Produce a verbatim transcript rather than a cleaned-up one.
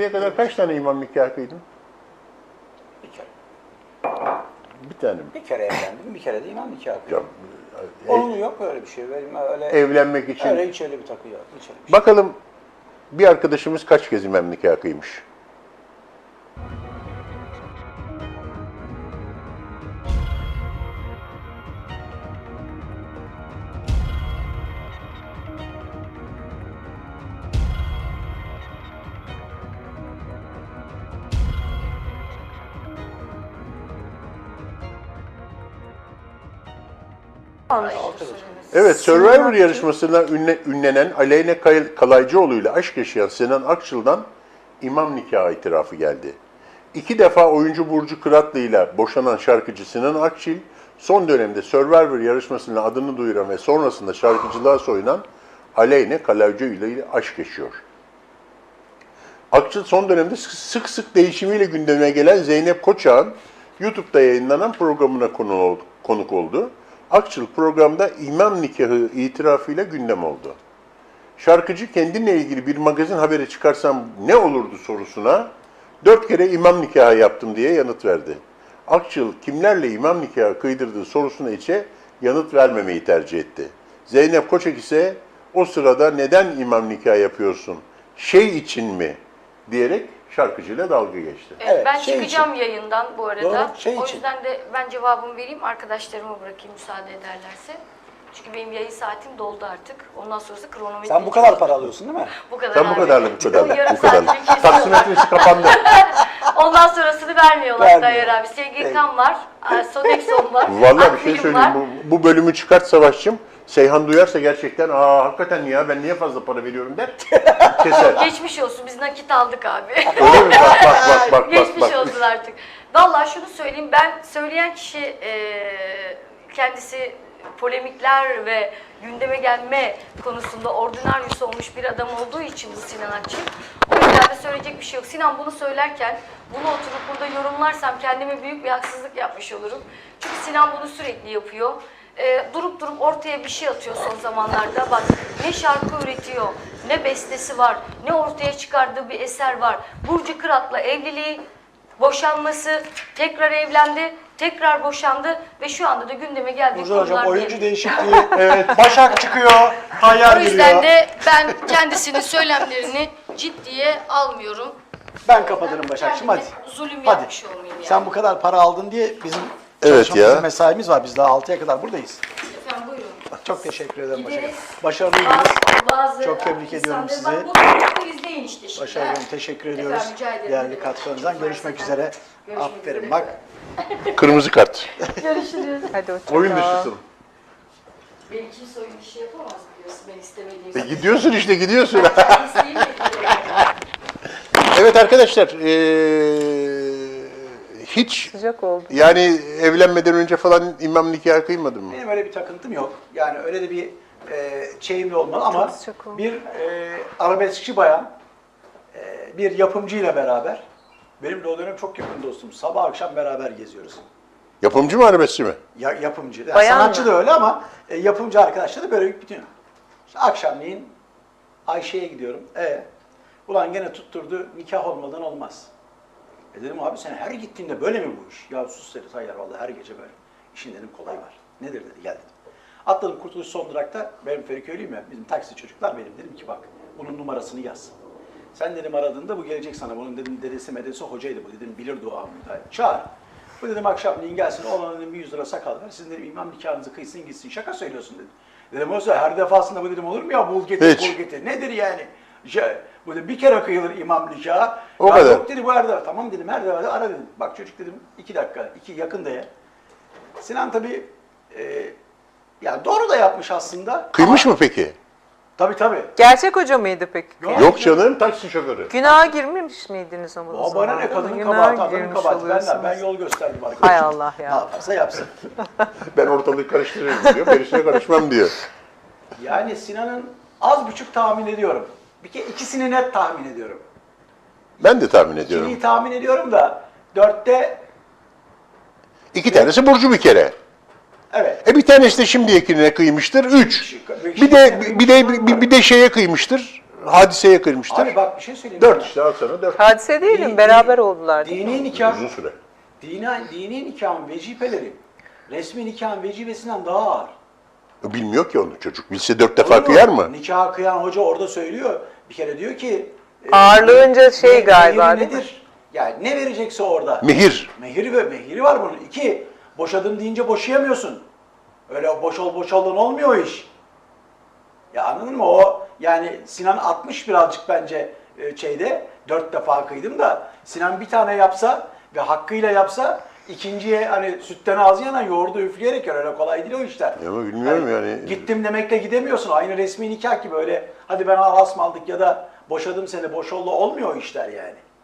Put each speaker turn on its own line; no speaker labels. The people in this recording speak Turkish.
Şimdiye kadar kaç tane imam nikahı kıydın?
Bir kere.
Bir tane mi?
Bir kere evlendim, bir kere de imam nikahı kıydım.
Ya,
Onun yok öyle bir şey. Benim öyle
evlenmek için.
öyle hiç öyle bir takı yok. Hiç öyle bir şey.
Bakalım bir arkadaşımız kaç kez imam nikahı kıymış? Evet, Survivor yarışmasında ünle, ünlenen Aleyna Kalaycıoğlu ile aşk yaşayan Sinan Akçıl'dan imam nikahı itirafı geldi. İki defa oyuncu Burcu Kıratlı ile boşanan şarkıcı Sinan Akçıl, son dönemde Survivor yarışmasında adını duyuran ve sonrasında şarkıcılığa soyunan Aleyna Kalaycıoğlu ile aşk yaşıyor. Akçıl son dönemde sık sık değişimiyle gündeme gelen Zeynep Koçak'ın YouTube'da yayınlanan programına konuk oldu. Akçıl programda imam nikahı itirafıyla gündem oldu. Şarkıcı kendinle ilgili bir magazin haberi çıkarsam ne olurdu sorusuna dört kere imam nikahı yaptım diye yanıt verdi. Akçıl kimlerle imam nikahı kıydırdığı sorusuna ise yanıt vermemeyi tercih etti. Zeynep Koçak ise o sırada neden imam nikahı yapıyorsun, şey için mi diyerek şarkıcıyla dalga geçti.
Evet,
Evet,
ben
şey
çıkacağım
için.
yayından bu arada.
Doğru, şey
o
için.
yüzden de ben cevabımı vereyim, arkadaşlarıma bırakayım müsaade ederlerse. Çünkü benim yayın saatim doldu artık. Ondan sonrası kronometre.
Sen bu kadar para alıyorsun değil mi?
Bu kadar.
Sen bu
abi.
kadarla bu kadarla.
O yarım
Bu kadarla.
saatlik kesiyor.
Taksimetresi kapandı.
Ondan sonrasını vermiyorlar
Vermiyor.
Tayyar abi. S G K'm var, Sodexon var.
Vallahi bir şey
Akbil'im
söyleyeyim.
var.
Bu, bu bölümü çıkart Savaşçım. Seyhan duyarsa gerçekten aa hakikaten ya ben niye fazla para veriyorum der. Keser.
Geçmiş olsun, biz nakit aldık abi.
Öyle mi? Bak bak bak bak
Geçmiş
bak. bak.
olsun artık. Vallahi şunu söyleyeyim, ben söyleyen kişi e, kendisi polemikler ve gündeme gelme konusunda ordinaryus olmuş bir adam olduğu için bu Sinan Akçıl. O yüzden de söyleyecek bir şey yok. Sinan bunu söylerken bunu oturup burada yorumlarsam kendime büyük bir haksızlık yapmış olurum. Çünkü Sinan bunu sürekli yapıyor. E, durup durup ortaya bir şey atıyor son zamanlarda. Bak ne şarkı üretiyor, ne bestesi var, ne ortaya çıkardığı bir eser var. Burcu Kırat'la evliliği, boşanması, tekrar evlendi, tekrar boşandı ve şu anda da gündeme geldiği
Burcu Hocam
konular
oyuncu
diye.
değişikliği, evet. Başak çıkıyor, Tayyar
O yüzden
giriyor.
de ben kendisinin söylemlerini ciddiye almıyorum.
Ben kapatırım Başak'cığım hadi.
Kendime zulüm
Hadi.
yapmış olmayayım yani.
Sen bu kadar para aldın diye bizim
Evet
çalışmamızın
ya.
mesaimiz var. Biz daha altıya kadar buradayız.
Efendim buyurun.
Çok teşekkür ederim Başak.
Gideriz.
Başarılıydınız.
Bazı, bazı
Çok tebrik ediyorum
insanları-
sizi.
Bak bu izleyin işte şimdi.
Başak Hanım teşekkür ediyoruz.
Efendim, rica ederim.
Değerli katkılarınızdan. Görüşmek
Varsa
üzere.
Görüşmek
Aferin
üzere.
bak.
Kırmızı kart.
Görüşürüz.
Hadi hoşça
Oyun
kal.
dışısın.
Benim kimse oyun işi yapamaz biliyorsun ben istemediğim
E,
zaman.
gidiyorsun işte gidiyorsun.
Ben isteyeyim de gidiyorum.
Evet arkadaşlar. Ee, hiç
Sıcak oldu.
yani evlenmeden önce falan imam nikahı kıymadın mı?
Benim öyle bir takıntım yok. Yani öyle de bir e, şeyim de olmadı ama
Çok sıcak oldu.
bir e, arabeskçi bayan e, bir yapımcıyla beraber benim de o dönem çok yakın dostum. Sabah akşam beraber geziyoruz.
Yapımcı mı arabeskçi mi?
Ya, yapımcı. Yani
Bayan
sanatçı
mı?
da öyle ama e, yapımcı arkadaşlar da böyle bütün. İşte akşamleyin Ayşe'ye gidiyorum. E, ulan gene tutturdu nikah olmadan olmaz. E dedim abi sen her gittiğinde böyle mi bu iş? Ya sus dedi Tayyar vallahi her gece böyle. İşin dedim kolay var. Nedir dedi gel dedim. Atladım Kurtuluş son durakta. Benim Feriköylüyüm ya bizim taksi çocuklar benim dedim ki bak bunun numarasını yaz. Sen dedim aradığında bu gelecek sana. Bunun dedim dedesi medesi hocaydı bu dedim bilirdi o amca. Çağır. Bu dedim akşamleyin gelsin oğlana dedim bir yüz lira sakal ver. Sizin dedim imam nikahınızı kıysın gitsin. Şaka söylüyorsun dedim. Dedim oysa her defasında bu dedim olur mu ya bul getir
Hiç.
bul getir. Nedir yani? Ya, bu dedim bir kere kıyılır imam nikahı.
O
Ya
kadar.
Yok dedi bu her defa. Tamam dedim her defa ara dedim. Bak çocuk dedim iki dakika iki yakın ya. Sinan tabii e, ya doğru da yapmış aslında.
Kıymış
ama,
mı peki?
Tabii tabii.
Gerçek hoca mıydı peki?
Yok.
Yok canım taksi şoförü.
Günaha girmemiş miydiniz ama o
O
zaman?
bana ne kadının
Günaha
kabahati, adamın
girmiş
kabahati. Ben, de-
oluyorsunuz.
ben yol gösterdim arkadaşım.
Hay Allah ya.
Ne yaparsa yapsın.
Ben ortalığı karıştırıyorum diyor. Gerisine karışmam diyor.
Yani Sinan'ın az buçuk tahmin ediyorum. Bir kere ikisini net tahmin ediyorum.
Ben de tahmin ediyorum.
İkiliyi tahmin ediyorum da dörtte
İki tanesi Burcu bir kere.
evet.
E bir tanesi de şimdiyekine kıymıştır. Üç. Bir de bir de bir, bir de şeye kıymıştır. hadiseye kırmıştır.
Abi bak bir şey söyleyeyim.
Dört
sana.
işte al sana dört.
Hadise değilim,
Di-
beraber
di-
oldular. değil mi?
Dini nikah,
Uzun süre.
dini, dini nikahın vecibeleri resmi nikahın vecibesinden daha ağır.
Bilmiyor ki onu çocuk. Bilse dört defa
Olur mu?
kıyar mı?
Nikah kıyan hoca orada söylüyor. Bir kere diyor ki e,
Ağırlığınca şey
me-
galiba,
mehiri
değil mi?
nedir? Yani ne verecekse orada.
Mehir.
Mehiri ve mehiri var bunun. İki, boşadım deyince boşayamıyorsun. Öyle boş ol boş olun olmuyor o iş. Ya anladın mı? O yani Sinan atmış birazcık bence e, şeyde. Dört defa kıydım da Sinan bir tane yapsa ve hakkıyla yapsa ikinciye hani sütten ağzı yanan yoğurdu üfleyerek yer. Öyle kolay değil o işler.
Ya ama bilmiyorum
Hani
yani.
Gittim demekle gidemiyorsun. Aynı resmi nikah gibi öyle hadi ben asmaldık ya da boşadım seni boş oldu olmuyor o işler yani.